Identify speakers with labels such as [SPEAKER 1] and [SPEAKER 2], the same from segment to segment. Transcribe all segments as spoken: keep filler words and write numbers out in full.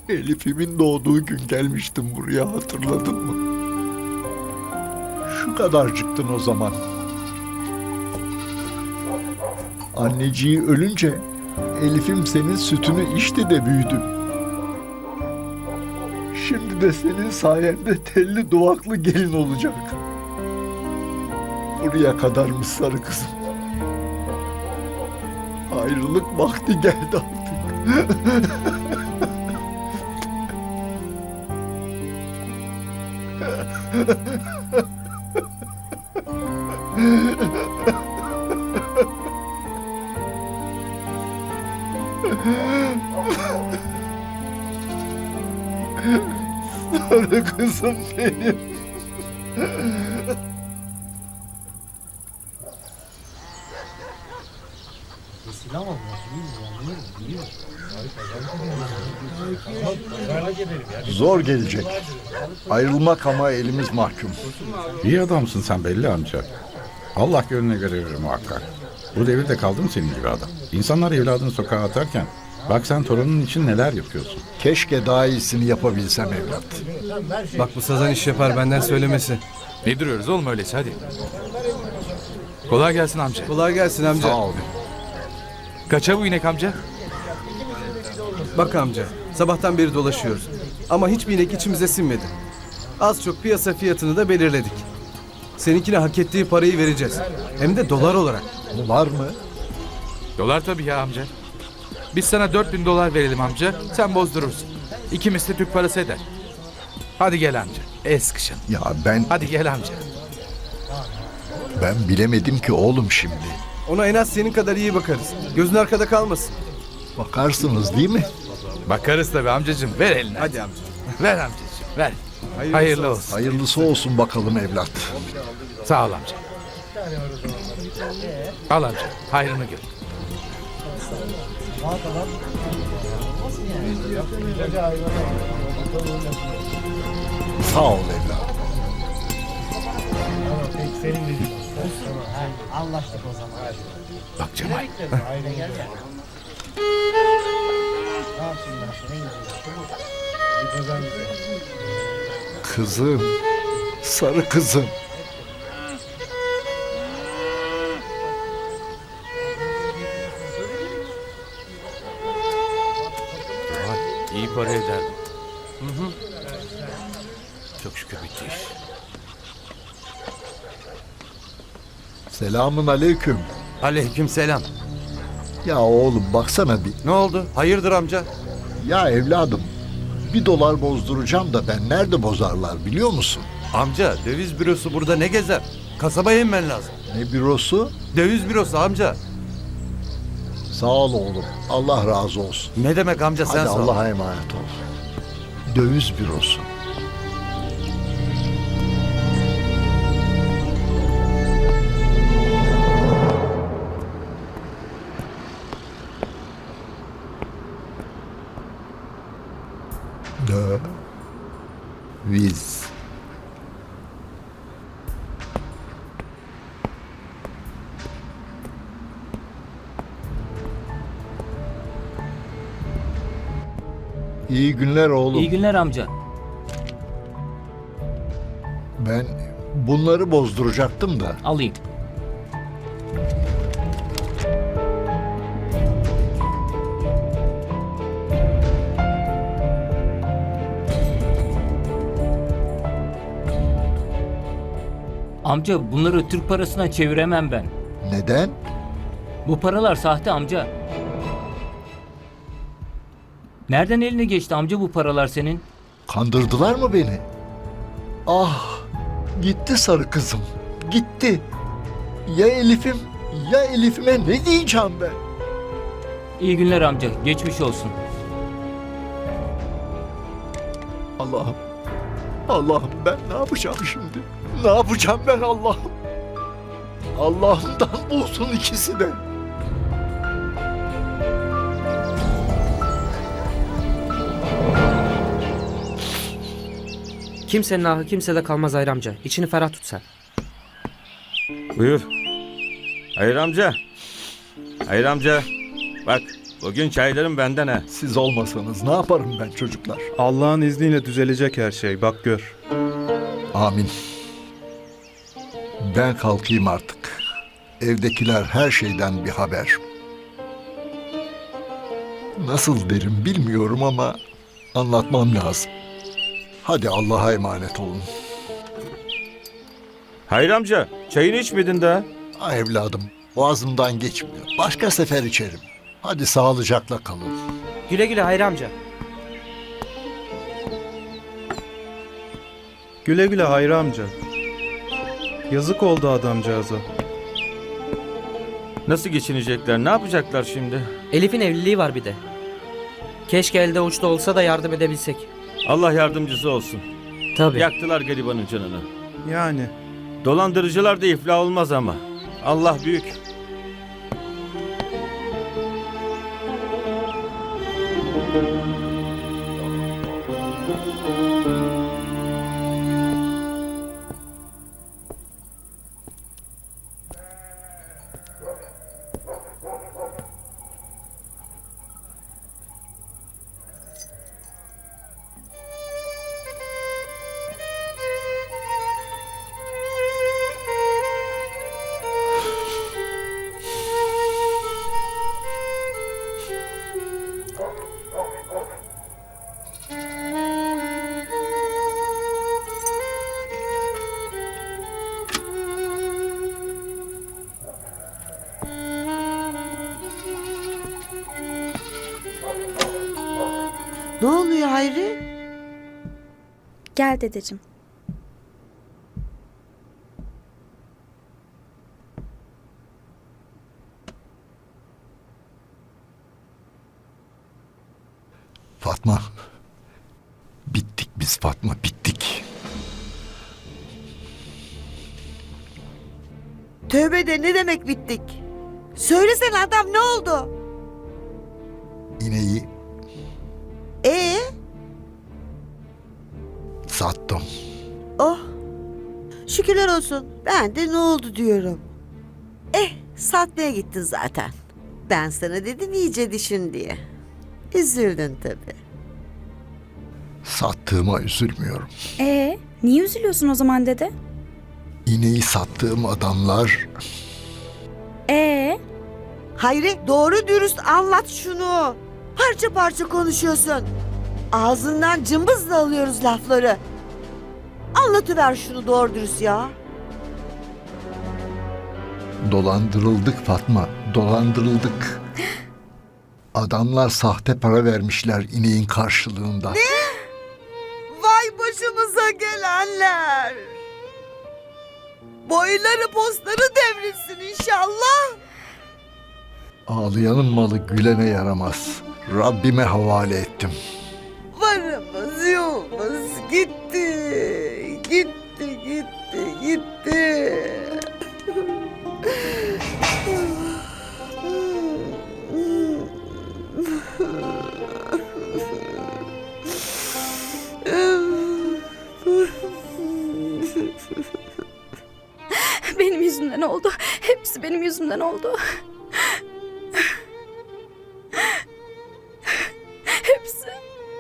[SPEAKER 1] Elif'imin doğduğu gün gelmiştim buraya, hatırladın mı? Şu kadarcıktın o zaman. Anneciği ölünce Elif'im senin sütünü içti de büyüdü. Şimdi de senin sayende telli duvaklı gelin olacak. Buraya kadarmış sarı kızım. Ayrılık vakti geldi artık. Sarı kızım benim. Zor gelecek. Ayrılmak ama elimiz mahkum.
[SPEAKER 2] İyi adamsın sen belli amca. Allah gönlüne göre verir muhakkak. Bu devirde kaldı mı senin gibi adam? İnsanlar evladını sokağa atarken bak sen torunun için neler yapıyorsun.
[SPEAKER 1] Keşke daha iyisini yapabilsem evlat.
[SPEAKER 3] Bak bu sazan iş yapar, benden söylemesi.
[SPEAKER 4] Ne duruyoruz oğlum öyleyse, hadi. Kolay gelsin amca.
[SPEAKER 3] Kolay gelsin amca.
[SPEAKER 1] Sağ ol.
[SPEAKER 4] Kaça bu inek amca?
[SPEAKER 3] Bak amca, sabahtan beri dolaşıyoruz. Ama hiçbir inek içimize sinmedi. Az çok piyasa fiyatını da belirledik. Seninkine hak ettiği parayı vereceğiz. Hem de dolar olarak.
[SPEAKER 1] Var mı?
[SPEAKER 4] Dolar tabii ya amca. Biz sana dört bin dolar verelim amca, sen bozdurursun. İki misli Türk parası eder. Hadi gel amca, el sıkışın.
[SPEAKER 1] Ya ben
[SPEAKER 4] Hadi gel amca.
[SPEAKER 1] ben bilemedim ki oğlum şimdi.
[SPEAKER 3] Ona en az senin kadar iyi bakarız. Gözün arkada kalmasın.
[SPEAKER 1] Bakarsınız değil mi?
[SPEAKER 4] Bakarız tabii amcacığım, ver elini.
[SPEAKER 3] Hadi amca.
[SPEAKER 4] Ver amcacığım, ver.
[SPEAKER 3] Hayırlısı
[SPEAKER 4] Hayırlı olsun.
[SPEAKER 1] Hayırlısı olsun bakalım evlat.
[SPEAKER 4] Sağ ol amca. Al amca, hayrını gör.
[SPEAKER 1] Sağ ol evlat.
[SPEAKER 5] Anlaştık o zaman.
[SPEAKER 4] Bak Cemal.
[SPEAKER 5] Ne yapsınlar? Ne güzel.
[SPEAKER 1] Kızım. Sarı kızım.
[SPEAKER 4] İyi para ederdim. Hı hı. Çok şükür bitti iş.
[SPEAKER 1] Selamun aleyküm.
[SPEAKER 3] Aleykümselam.
[SPEAKER 1] Ya oğlum baksana bir.
[SPEAKER 3] Ne oldu? Hayırdır amca?
[SPEAKER 1] Ya evladım. Bir dolar bozduracağım da ben nerede bozarlar biliyor musun?
[SPEAKER 6] Amca döviz bürosu burada ne gezer? Kasabaya inmen lazım.
[SPEAKER 1] Ne bürosu?
[SPEAKER 6] Döviz bürosu amca.
[SPEAKER 1] Sağ ol oğlum. Allah razı olsun.
[SPEAKER 6] Ne demek amca sen
[SPEAKER 1] Hadi
[SPEAKER 6] sağ ol.
[SPEAKER 1] Allah'a emanet ol. Döviz bürosu. Döviz. İyi günler oğlum.
[SPEAKER 7] İyi günler amca.
[SPEAKER 1] Ben bunları bozduracaktım da.
[SPEAKER 7] Alayım. Amca bunları Türk parasına çeviremem ben.
[SPEAKER 1] Neden?
[SPEAKER 7] Bu paralar sahte amca. Nereden eline geçti amca bu paralar senin?
[SPEAKER 1] Kandırdılar mı beni? Ah, gitti sarı kızım. Gitti. Ya Elif'im, ya Elif'ime ne diyeceğim ben?
[SPEAKER 7] İyi günler amca. Geçmiş olsun.
[SPEAKER 1] Allah'ım. Allah'ım ben ne yapacağım şimdi? Ne yapacağım ben Allah'ım? Allah'ımdan bulsun ikisi de.
[SPEAKER 8] Kimsenin ahı kimsede kalmaz Hayri amca. İçini ferah tut sen.
[SPEAKER 6] Buyur. Hayır amca. Hayır amca. Bak Bugün çaylarım benden ha.
[SPEAKER 1] Siz olmasanız ne yaparım ben çocuklar?
[SPEAKER 9] Allah'ın izniyle düzelecek her şey. Bak gör.
[SPEAKER 1] Amin. Ben kalkayım artık. Evdekiler her şeyden bir haber. Nasıl derim bilmiyorum ama anlatmam lazım. Hadi Allah'a emanet olun.
[SPEAKER 6] Hayır amca, çayını içmedin daha.
[SPEAKER 1] Ah evladım, boğazımdan geçmiyor. Başka sefer içerim. Hadi sağlıcakla kalın.
[SPEAKER 8] Güle güle Hayri amca.
[SPEAKER 9] Güle güle Hayri amca. Yazık oldu adamcağıza.
[SPEAKER 6] Nasıl geçinecekler, ne yapacaklar şimdi?
[SPEAKER 8] Elif'in evliliği var bir de. Keşke elde uçta olsa da yardım edebilsek.
[SPEAKER 6] Allah yardımcısı olsun.
[SPEAKER 8] Tabii.
[SPEAKER 6] Yaktılar garibanın canını.
[SPEAKER 9] Yani.
[SPEAKER 6] Dolandırıcılar da iflah olmaz ama. Allah büyük.
[SPEAKER 10] Ne oluyor Hayri?
[SPEAKER 11] Gel dedeciğim.
[SPEAKER 1] Fatma. Bittik biz Fatma, bittik.
[SPEAKER 10] Tövbe de ne demek bittik? Söylesene adam, ne oldu?
[SPEAKER 1] İneği
[SPEAKER 10] Ee?
[SPEAKER 1] sattım.
[SPEAKER 10] Oh. Şükürler olsun. Ben de ne oldu diyorum. Eh, satmaya gittin zaten. Ben sana dedim iyice düşün diye. Üzüldün tabii.
[SPEAKER 1] Sattığıma üzülmüyorum.
[SPEAKER 11] Ee, niye üzülüyorsun o zaman dede?
[SPEAKER 1] İneği sattığım adamlar
[SPEAKER 11] Ee,
[SPEAKER 10] Hayri, doğru dürüst anlat şunu. Parça parça konuşuyorsun. Ağzından cımbızla alıyoruz lafları. Anlatıver şunu doğru dürüst ya.
[SPEAKER 1] dolandırıldık Fatma, dolandırıldık. Adamlar sahte para vermişler ineğin karşılığında.
[SPEAKER 10] Vay başımıza gelenler. Boyları postları devrilsin inşallah.
[SPEAKER 1] Ağlayanın malı gülene yaramaz. Rabbime havale ettim.
[SPEAKER 10] Varımız yoğumuz gitti. Gitti gitti gitti.
[SPEAKER 11] benim yüzümden oldu. Hepsi benim yüzümden oldu. Hepsi.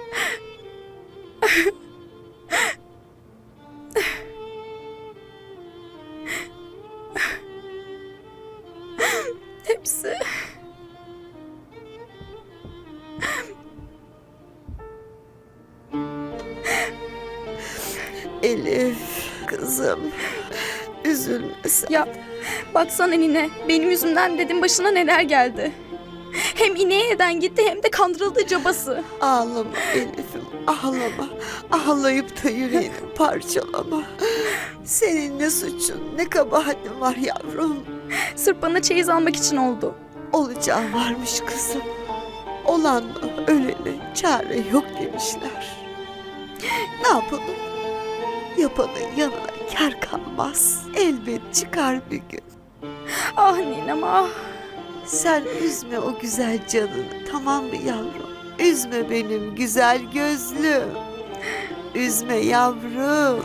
[SPEAKER 11] Hepsi.
[SPEAKER 10] Elif kızım, üzülme sen.
[SPEAKER 11] Ya baksana nine, benim yüzümden dedim başına neler geldi. Hem ineğe neden gitti hem de kandırıldı cabası.
[SPEAKER 10] Ağlama Elif'im, ağlama. Ağlayıp da yüreğini parçalama. Senin ne suçun, ne kabahatin var yavrum.
[SPEAKER 11] Sırf bana çeyiz almak için oldu.
[SPEAKER 10] Olacağı varmış kızım. Olanla ölene çare yok demişler. Ne yapalım? Yapanın yanına kar kalmaz. Elbet çıkar bir gün.
[SPEAKER 11] Ah ninem ah.
[SPEAKER 10] Sen üzme o güzel canını, tamam mı yavrum? Üzme benim güzel gözlüm. Üzme yavrum.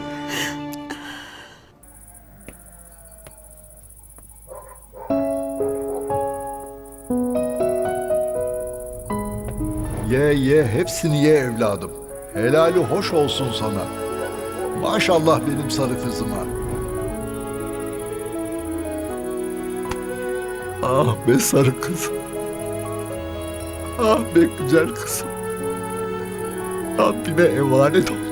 [SPEAKER 1] Ye ye hepsini ye evladım. Helali hoş olsun sana. Maşallah benim sarı kızıma. Ah be sarı kızım. Ah be güzel kızım. Rabbime emanet ol.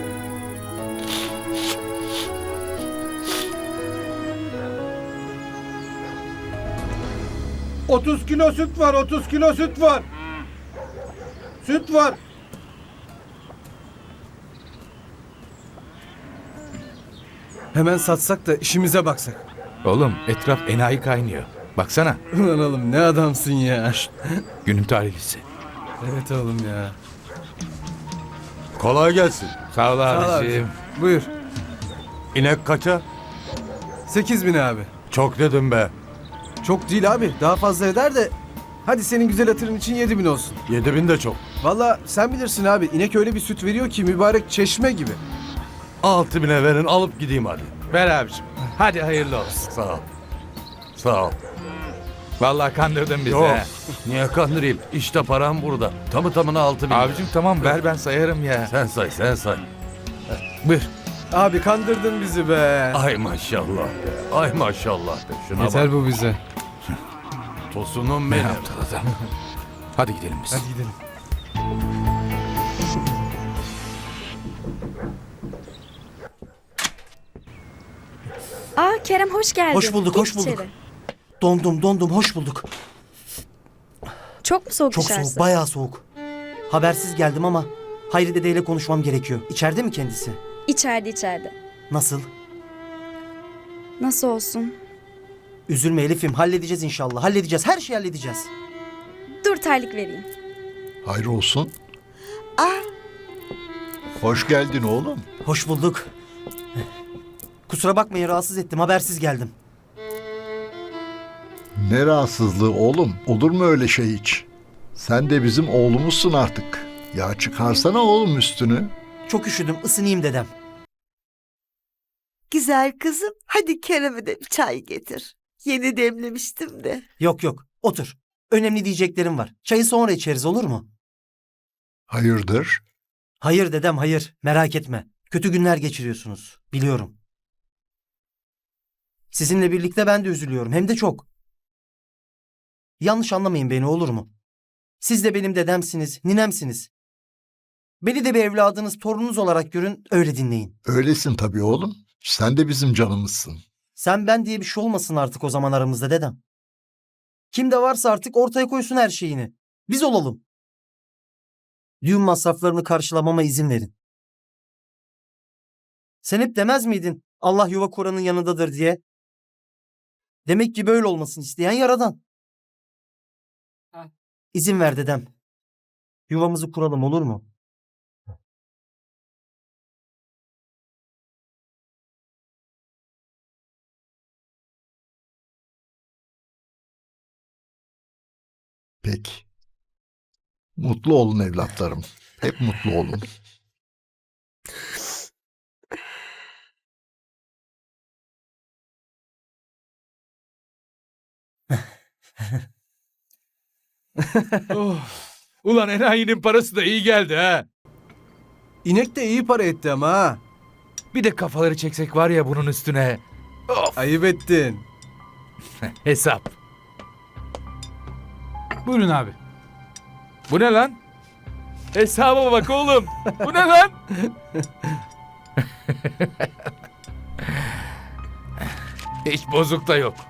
[SPEAKER 6] otuz kilo süt var, otuz kilo süt var. Süt var.
[SPEAKER 3] Hemen satsak da işimize baksak.
[SPEAKER 4] Oğlum etraf enayi kaynıyor. Baksana.
[SPEAKER 3] Ulan oğlum ne adamsın ya.
[SPEAKER 4] Günün tarihlisi.
[SPEAKER 3] Evet oğlum ya.
[SPEAKER 6] Kolay gelsin.
[SPEAKER 4] Sağ ol
[SPEAKER 3] Sağ ol
[SPEAKER 4] abicim.
[SPEAKER 3] abicim. Buyur.
[SPEAKER 6] İnek kaça?
[SPEAKER 3] Sekiz bin abi.
[SPEAKER 6] Çok dedim be.
[SPEAKER 3] Çok değil abi. Daha fazla eder de. Hadi senin güzel hatırın için yedi bin olsun.
[SPEAKER 6] Yedi bin de çok.
[SPEAKER 3] Valla sen bilirsin abi. İnek öyle bir süt veriyor ki mübarek çeşme gibi.
[SPEAKER 6] Altı bine verin alıp gideyim hadi.
[SPEAKER 4] Ver abicim. Hadi hayırlı olsun.
[SPEAKER 6] Sağ ol. Sağ ol.
[SPEAKER 4] Vallahi kandırdın bizi.
[SPEAKER 6] Yok.
[SPEAKER 4] he.
[SPEAKER 6] Niye kandırayım? İşte param burada. Tamı tamına altı bin.
[SPEAKER 4] Abicim tamam ver ben sayarım ya.
[SPEAKER 6] Sen say sen say.
[SPEAKER 4] Buyur.
[SPEAKER 3] Abi kandırdın bizi be.
[SPEAKER 6] Ay maşallah be. Ay maşallah be. Şuna
[SPEAKER 3] Yeter
[SPEAKER 6] bak.
[SPEAKER 3] bu bize.
[SPEAKER 6] Tosunum
[SPEAKER 4] Ne
[SPEAKER 6] benim.
[SPEAKER 4] yaptı adam? Hadi gidelim biz.
[SPEAKER 3] Hadi gidelim.
[SPEAKER 11] Aa Kerem hoş geldin.
[SPEAKER 5] Hoş bulduk,
[SPEAKER 11] Geç
[SPEAKER 5] hoş bulduk.
[SPEAKER 11] içeri.
[SPEAKER 5] Dondum dondum hoş bulduk.
[SPEAKER 11] Çok mu soğuk
[SPEAKER 5] Çok
[SPEAKER 11] dışarısı?
[SPEAKER 5] soğuk, bayağı soğuk. Habersiz geldim ama Hayri dedeyle konuşmam gerekiyor. İçeride mi kendisi?
[SPEAKER 11] İçeride içeride.
[SPEAKER 5] Nasıl?
[SPEAKER 11] Nasıl olsun?
[SPEAKER 5] Üzülme Elif'im, halledeceğiz inşallah. Halledeceğiz, her şeyi halledeceğiz.
[SPEAKER 11] Dur terlik vereyim.
[SPEAKER 1] Hayır olsun.
[SPEAKER 10] Ah,
[SPEAKER 1] Hoş geldin oğlum.
[SPEAKER 5] Hoş bulduk. Kusura bakmayın, rahatsız ettim, habersiz geldim.
[SPEAKER 1] Ne rahatsızlığı oğlum. Olur mu öyle şey hiç? Sen de bizim oğlumuzsun artık. Ya çıkarsana oğlum üstünü.
[SPEAKER 5] Çok üşüdüm, ısınayım dedem.
[SPEAKER 10] güzel kızım. Hadi Kerem'e de bir çay getir. Yeni demlemiştim de.
[SPEAKER 5] Yok yok, otur. Önemli diyeceklerim var. Çayı sonra içeriz, olur mu?
[SPEAKER 1] Hayırdır?
[SPEAKER 5] Hayır dedem, hayır. Merak etme. Kötü günler geçiriyorsunuz. Biliyorum. Sizinle birlikte ben de üzülüyorum. Hem de çok. Yanlış anlamayın beni, olur mu? Siz de benim dedemsiniz, ninemsiniz. Beni de bir evladınız, torununuz olarak görün, öyle dinleyin.
[SPEAKER 1] Öylesin tabii oğlum. Sen de bizim canımızsın.
[SPEAKER 5] Sen ben diye bir şey olmasın artık o zaman aramızda dedem. Kim de varsa artık ortaya koysun her şeyini. Biz olalım. Düğün masraflarını karşılamama izin verin. Sen hep demez miydin Allah yuva kuranın yanındadır diye? Demek ki böyle olmasını isteyen yaradan. İzin ver dedem. Yuvamızı kuralım, olur mu?
[SPEAKER 1] Peki. Mutlu olun evlatlarım. Hep mutlu olun.
[SPEAKER 4] Oh. Ulan enayinin parası da iyi geldi ha.
[SPEAKER 3] İnek de iyi para etti ama ha.
[SPEAKER 4] Bir de kafaları çeksek var ya bunun üstüne. Of.
[SPEAKER 3] Ayıp ettin.
[SPEAKER 4] Hesap.
[SPEAKER 9] Buyurun abi.
[SPEAKER 4] Bu ne lan? Hesaba bak oğlum. Bu ne lan? Hiç bozuk da yok.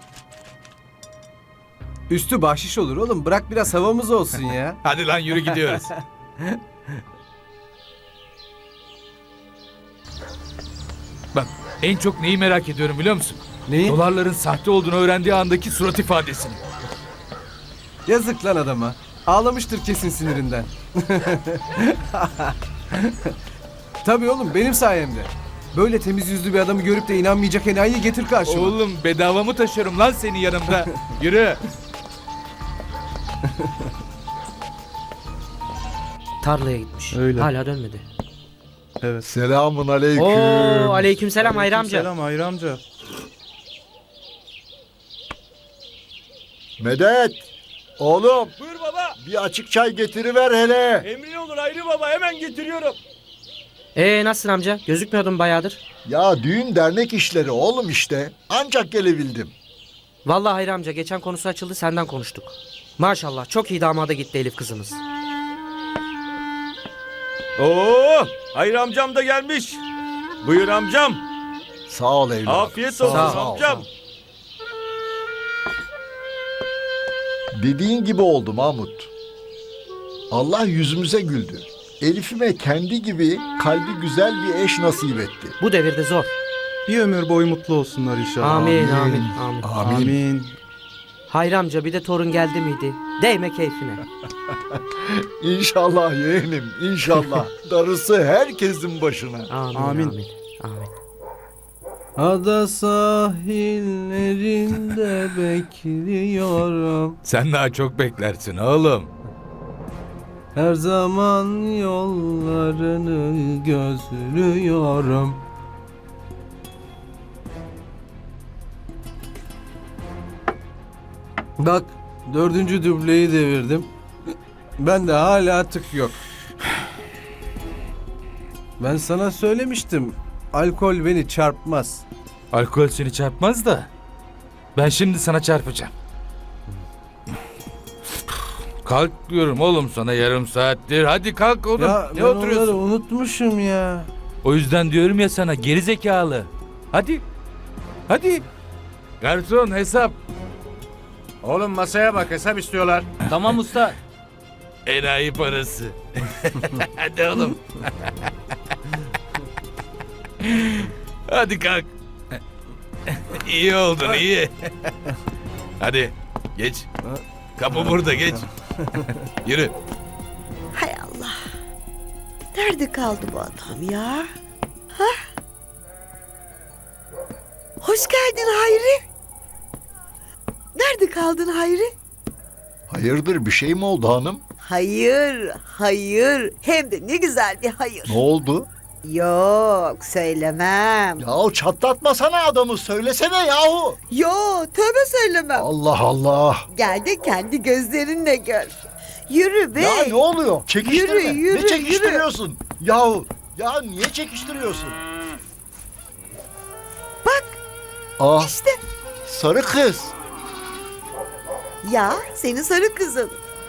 [SPEAKER 3] Üstü bahşiş olur oğlum. Bırak biraz havamız olsun ya.
[SPEAKER 4] Hadi lan yürü gidiyoruz. Bak en çok neyi merak ediyorum biliyor musun?
[SPEAKER 3] Neyi?
[SPEAKER 4] Dolarların sahte olduğunu öğrendiği andaki surat ifadesini.
[SPEAKER 3] Yazık lan adama. Ağlamıştır kesin sinirinden. Tabii oğlum benim sayemde. Böyle temiz yüzlü bir adamı görüp de inanmayacak enayiyi getir karşıma.
[SPEAKER 4] Oğlum bedava mı taşırım lan seni yanımda? Yürü.
[SPEAKER 8] Tarlaya gitmiş.
[SPEAKER 9] Öyle.
[SPEAKER 8] Hala dönmedi.
[SPEAKER 9] Evet.
[SPEAKER 1] Selamun aleyküm.
[SPEAKER 8] Oo, aleykümselam Hayri amca.
[SPEAKER 9] Selam Hayri amca.
[SPEAKER 1] Medet. Oğlum.
[SPEAKER 4] Buyur baba.
[SPEAKER 1] bir açık çay getiriver hele.
[SPEAKER 6] Emrin olur Hayri Baba, hemen getiriyorum.
[SPEAKER 8] Ee nasılsın amca? Gözükmüyordun bayağıdır.
[SPEAKER 1] Ya düğün dernek işleri oğlum işte. Ancak gelebildim.
[SPEAKER 8] Vallahi Hayri amca geçen konusu açıldı senden konuştuk. Maşallah çok iyi damada gitti Elif kızımız.
[SPEAKER 6] Oo, Hayri amcam da gelmiş. Buyur amcam.
[SPEAKER 1] Sağ ol evladım.
[SPEAKER 6] Afiyet olsun
[SPEAKER 8] Sağ ol.
[SPEAKER 6] amcam.
[SPEAKER 1] Dediğin gibi oldu Mahmut. Allah yüzümüze güldü. Elif'ime kendi gibi kalbi güzel bir eş nasip etti.
[SPEAKER 8] Bu devirde zor.
[SPEAKER 9] Bir ömür boyu mutlu olsunlar inşallah.
[SPEAKER 8] Amin amin amin.
[SPEAKER 1] Amin.
[SPEAKER 9] Amin.
[SPEAKER 8] Hayri amca bir de torun geldi miydi? Değme keyfine.
[SPEAKER 1] İnşallah yeğenim, inşallah. Darısı herkesin başına.
[SPEAKER 8] Amin
[SPEAKER 9] Amin.
[SPEAKER 8] amin. amin.
[SPEAKER 3] Ada sahillerinde bekliyorum.
[SPEAKER 4] Sen daha çok beklersin oğlum.
[SPEAKER 3] Her zaman yollarını gözlüyorum. Bak dördüncü dubleyi devirdim. Ben de hala tık yok. Ben sana söylemiştim. Alkol beni çarpmaz.
[SPEAKER 4] Alkol seni çarpmaz da. Ben şimdi sana çarpacağım. Kalk diyorum oğlum sana yarım saattir. Hadi kalk oğlum.
[SPEAKER 3] Ya
[SPEAKER 4] ne
[SPEAKER 3] ben
[SPEAKER 4] oturuyorsun?
[SPEAKER 3] onları unutmuşum ya.
[SPEAKER 4] O yüzden diyorum ya sana geri zekalı. Hadi. Hadi. Garson hesap.
[SPEAKER 6] Oğlum masaya bak, hesap istiyorlar.
[SPEAKER 7] Tamam usta.
[SPEAKER 4] Enayi parası. Hadi oğlum. Hadi kalk. İyi oldun iyi. Hadi geç. Kapı burada geç. Yürü.
[SPEAKER 10] Hay Allah. Nerede kaldı bu adam ya? Ha? Hoş geldin Hayri. Nerede kaldın Hayri?
[SPEAKER 1] Hayırdır bir şey mi oldu hanım?
[SPEAKER 10] Hayır, hayır. Hem de ne güzel bir hayır.
[SPEAKER 1] Ne oldu?
[SPEAKER 10] Yok, söylemem.
[SPEAKER 1] Yahu çatlatmasana adamı, söylesene yahu.
[SPEAKER 10] Yo, tövbe söylemem.
[SPEAKER 1] Allah Allah.
[SPEAKER 10] Gel de kendi gözlerinle gör. Yürü be.
[SPEAKER 1] Ya ne oluyor? Çekiştirme.
[SPEAKER 10] Yürü, yürü,
[SPEAKER 1] ne çekiştiriyorsun? Yahu, ya niye çekiştiriyorsun?
[SPEAKER 10] Bak.
[SPEAKER 1] Ah,
[SPEAKER 10] İşte.
[SPEAKER 1] sarı kız.
[SPEAKER 10] Ya, senin sarı kızın.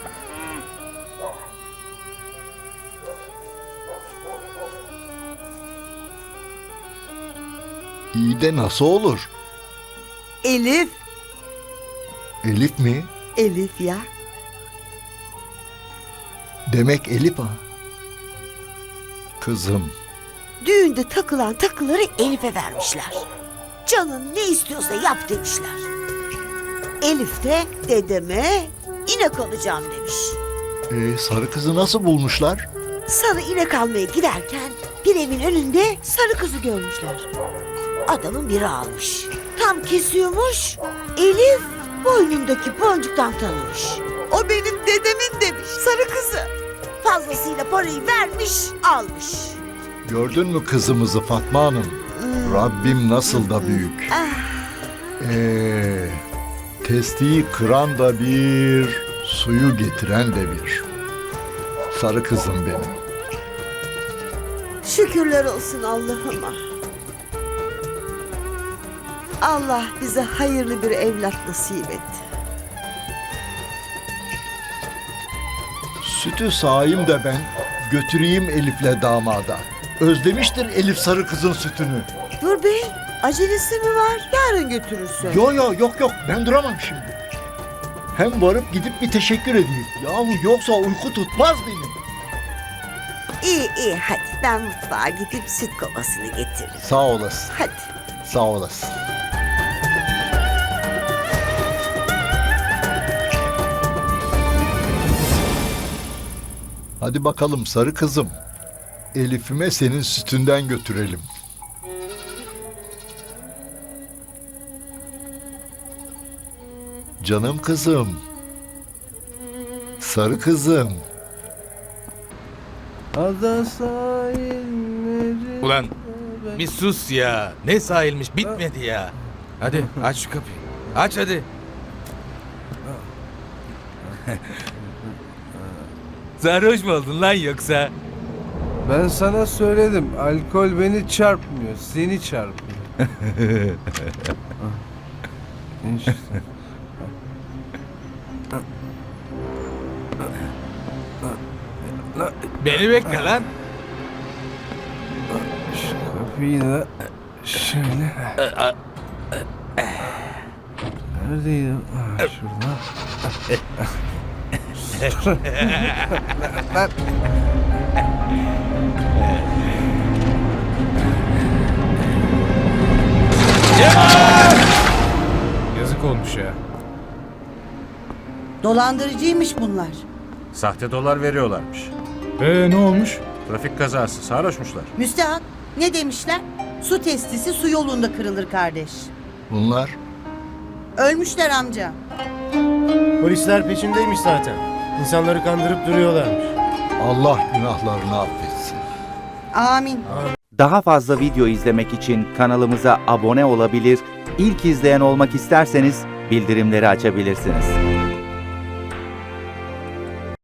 [SPEAKER 1] İyi de nasıl olur?
[SPEAKER 10] Elif.
[SPEAKER 1] Elif mi?
[SPEAKER 10] Elif ya.
[SPEAKER 1] Demek Elif ha. Kızım.
[SPEAKER 10] Düğünde takılan takıları Elif'e vermişler. Canın ne istiyorsa yap demişler. Elif de dedeme inek alacağım demiş.
[SPEAKER 1] Ee, sarı kızı nasıl bulmuşlar?
[SPEAKER 10] Sarı inek almaya giderken bir evin önünde sarı kızı görmüşler. Adamın biri almış. Tam kesiyormuş. Elif boynundaki boncuktan tanımış. O benim dedemin demiş sarı kızı. Fazlasıyla parayı vermiş almış.
[SPEAKER 1] Gördün mü kızımızı Fatma Hanım? Rabbim nasıl da büyük. Ee, testiyi kıran da bir, suyu getiren de bir. Sarı kızım benim.
[SPEAKER 10] Şükürler olsun Allah'ıma. Allah bize hayırlı bir evlat nasip etti.
[SPEAKER 1] Sütü sağayım da ben götüreyim Elif'le damada. Özlemiştir Elif sarı kızın sütünü.
[SPEAKER 10] Dur bey, acelesi mi var? Yarın götürürsün.
[SPEAKER 1] Yo yo yok yok ben duramam şimdi. Hem varıp gidip bir teşekkür edeyim. Yahu yoksa uyku tutmaz benim.
[SPEAKER 10] İyi iyi hadi ben mutfağa gidip süt kovasını getiririm.
[SPEAKER 1] Sağ olasın,
[SPEAKER 10] Hadi.
[SPEAKER 1] sağ olasın. Hadi bakalım sarı kızım. Elif'ime senin sütünden götürelim. Canım kızım. Sarı kızım.
[SPEAKER 3] Ada sahillerinde
[SPEAKER 4] Ulan bir sus ya. Ne sahilmiş bitmedi ya. Hadi aç şu kapıyı. Aç hadi. Sarhoş mu oldun lan yoksa?
[SPEAKER 3] Ben sana söyledim. Alkol beni çarpmıyor. Seni çarpıyor. Ah, işte.
[SPEAKER 4] Beni bekle lan.
[SPEAKER 3] Şu kapıyı da şöyle. Neredeydi? Ah, şurada. Lan.
[SPEAKER 4] Yazık olmuş ya.
[SPEAKER 10] Dolandırıcıymış bunlar.
[SPEAKER 12] Sahte dolar veriyorlarmış.
[SPEAKER 2] Ee ne olmuş?
[SPEAKER 12] Trafik kazası, sarhoşmuşlar.
[SPEAKER 10] Müstehak ne demişler? Su testisi su yolunda kırılır kardeş.
[SPEAKER 1] Bunlar
[SPEAKER 10] Ölmüşler amca.
[SPEAKER 6] Polisler peşindeymiş zaten. İnsanları kandırıp duruyorlarmış.
[SPEAKER 1] Allah günahlarını affetsin.
[SPEAKER 10] Amin.
[SPEAKER 13] Daha fazla video izlemek için kanalımıza abone olabilir, ilk izleyen olmak isterseniz bildirimleri açabilirsiniz.